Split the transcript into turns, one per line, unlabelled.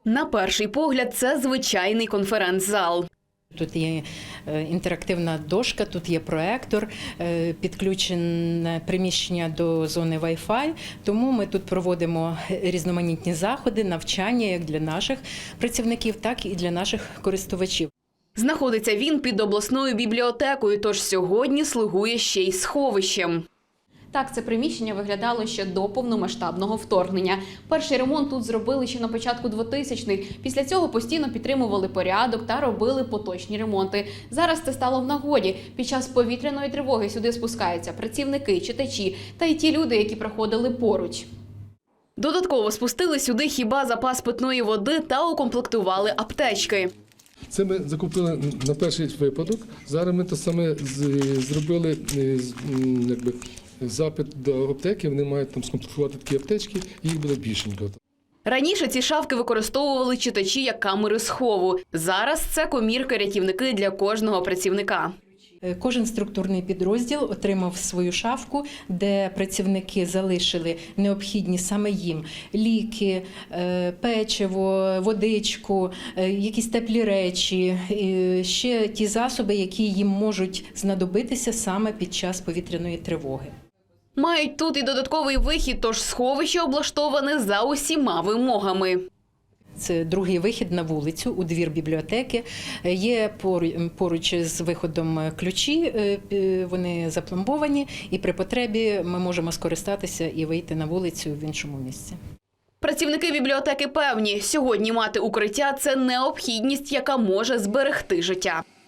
На перший погляд, це звичайний конференц-зал.
Тут є інтерактивна дошка, тут є проектор, підключене приміщення до зони Wi-Fi. Тому ми тут проводимо різноманітні заходи, навчання як для наших працівників, так і для наших користувачів.
Знаходиться він під обласною бібліотекою, тож сьогодні слугує ще й сховищем. Так, це приміщення виглядало ще до повномасштабного вторгнення. Перший ремонт тут зробили ще на початку 2000-х. Після цього постійно підтримували порядок та робили поточні ремонти. Зараз це стало в нагоді. Під час повітряної тривоги сюди спускаються працівники, читачі та й ті люди, які проходили поруч. Додатково спустили сюди хіба запас питної води та укомплектували аптечки.
Це ми закупили на перший випадок. Зараз ми те саме зробили запит до аптеки. Вони мають там скомплектувати такі аптечки, і їх буде більшенько.
Раніше ці шафки використовували читачі як камери схову. Зараз це комірки-рятівники для кожного працівника.
Кожен структурний підрозділ отримав свою шафку, де працівники залишили необхідні саме їм ліки, печиво, водичку, якісь теплі речі, ще ті засоби, які їм можуть знадобитися саме під час повітряної тривоги.
Мають тут і додатковий вихід, тож сховище облаштоване за усіма вимогами.
Це другий вихід на вулицю, у двір бібліотеки. Є поруч з виходом ключі, вони запломбовані, і при потребі ми можемо скористатися і вийти на вулицю в іншому місці.
Працівники бібліотеки певні, сьогодні мати укриття – це необхідність, яка може зберегти життя.